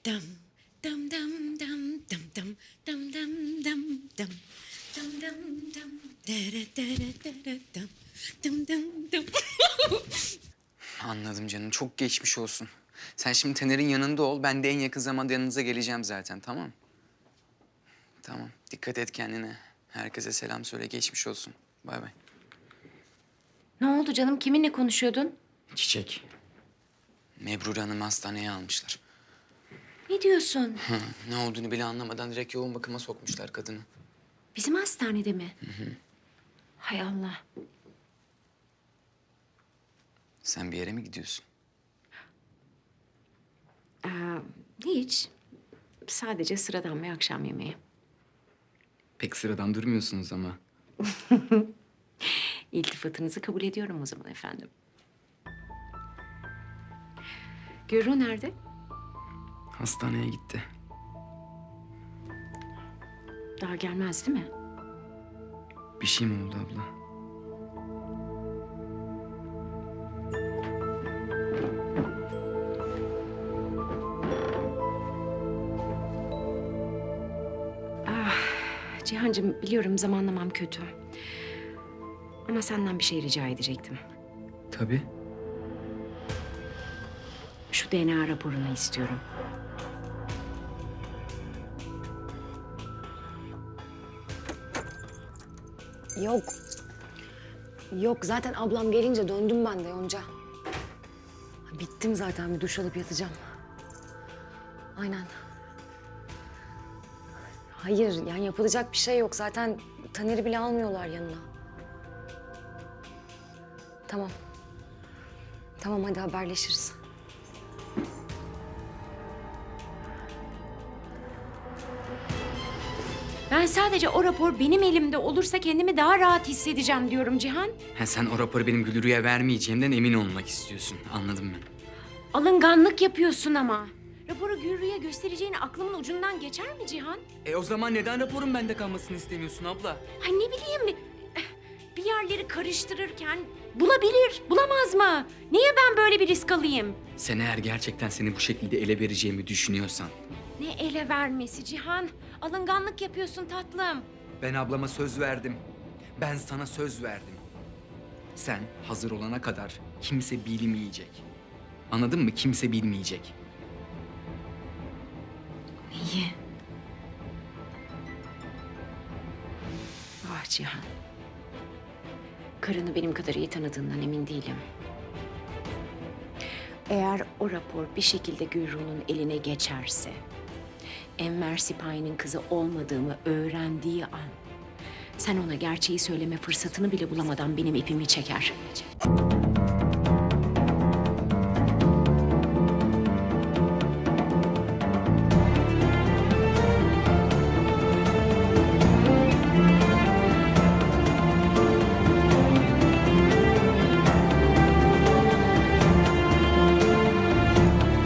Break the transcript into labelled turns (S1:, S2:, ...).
S1: Dam dam dam dam dam dam dam dam dam dam dam dam dam dere dere dere dam dam dam dam.
S2: Anladım canım. Çok geçmiş olsun. Sen şimdi Taner'in yanında ol. Ben de en yakın zamanda yanınıza geleceğim zaten. Tamam? Tamam. Dikkat et kendine. Herkese selam söyle. Geçmiş olsun. Bay bay.
S1: Ne oldu canım? Kiminle konuşuyordun?
S2: Çiçek. Mebrure Hanım'ı hastaneye almışlar.
S1: Ne diyorsun?
S2: Ne olduğunu bile anlamadan direkt yoğun bakıma sokmuşlar kadını.
S1: Bizim hastanede mi? Hay Allah.
S2: Sen bir yere mi gidiyorsun?
S1: Hiç. Sadece sıradan bir akşam yemeği.
S2: Pek sıradan durmuyorsunuz ama.
S1: İltifatınızı kabul ediyorum o zaman efendim. Gürru nerede?
S2: Hastaneye gitti.
S1: Daha gelmez değil mi?
S2: Bir şey mi oldu abla?
S1: Cihancığım biliyorum zamanlamam kötü. Ama senden bir şey rica edecektim.
S2: Tabii.
S1: Şu DNA raporunu istiyorum.
S3: Yok. Yok zaten ablam gelince döndüm ben de Yonca. Bittim zaten bir duş alıp yatacağım. Aynen. Hayır yani yapılacak bir şey yok zaten Taner'i bile almıyorlar yanına. Tamam. Tamam hadi haberleşiriz.
S1: Ben sadece o rapor benim elimde olursa kendimi daha rahat hissedeceğim diyorum Cihan.
S2: Ha, sen o raporu benim Gülürü'ye vermeyeceğimden emin olmak istiyorsun. Anladım ben.
S1: Alınganlık yapıyorsun ama. Raporu Gürrü'ye göstereceğini aklımın ucundan geçer mi Cihan?
S2: O zaman neden raporun bende kalmasını istemiyorsun abla?
S1: Ay ne bileyim, bir yerleri karıştırırken bulabilir, bulamaz mı? Niye ben böyle bir risk alayım?
S2: Sen eğer gerçekten seni bu şekilde ele vereceğimi düşünüyorsan...
S1: Ne ele vermesi Cihan? Alınganlık yapıyorsun tatlım.
S2: Ben ablama söz verdim. Ben sana söz verdim. Sen hazır olana kadar kimse bilmeyecek. Anladın mı? Kimse bilmeyecek.
S1: Neyi? Ah Cihan. Karını benim kadar iyi tanıdığından emin değilim. Eğer o rapor bir şekilde Gürru'nun eline geçerse... Enver Sipahi'nin kızı olmadığımı öğrendiği an... sen ona gerçeği söyleme fırsatını bile bulamadan benim ipimi çeker.